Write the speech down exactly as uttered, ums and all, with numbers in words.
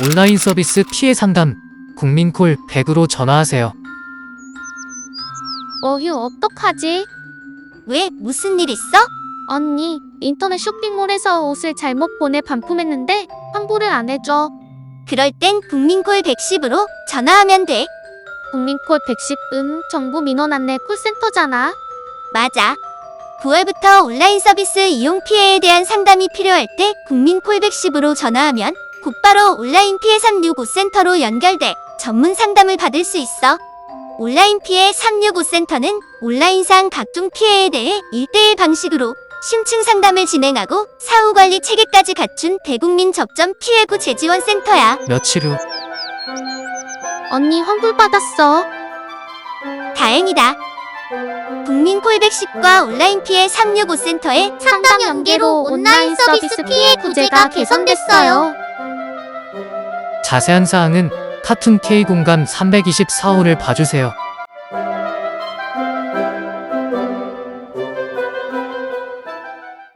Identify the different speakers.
Speaker 1: 온라인 서비스 피해 상담 국민콜 백으로 전화하세요.
Speaker 2: 어휴, 어떡하지?
Speaker 3: 왜? 무슨 일 있어?
Speaker 2: 언니, 인터넷 쇼핑몰에서 옷을 잘못 보내 반품했는데 환불을 안 해줘.
Speaker 3: 그럴 땐 국민콜 백십으로 전화하면 돼.
Speaker 2: 국민콜 백십, 음, 정부 민원 안내 콜센터잖아.
Speaker 3: 맞아. 구월부터 온라인 서비스 이용 피해에 대한 상담이 필요할 때 국민콜 백십으로 전화하면 곧바로 온라인 피해 삼육오 센터로 연결돼 전문 상담을 받을 수 있어. 온라인 피해 삼육오 센터는 온라인상 각종 피해에 대해 일대일 방식으로 심층 상담을 진행하고 사후관리 체계까지 갖춘 대국민 접점 피해구 재지원 센터야.
Speaker 1: 며칠 후
Speaker 2: 언니 환불 받았어.
Speaker 3: 다행이다. 국민콜 백십과 온라인 피해 삼육오 센터의
Speaker 2: 상담 연계로 온라인 서비스 피해 구제가 개선됐어요.
Speaker 1: 자세한 사항은 카툰 K 공감 삼이십사 호를 봐주세요.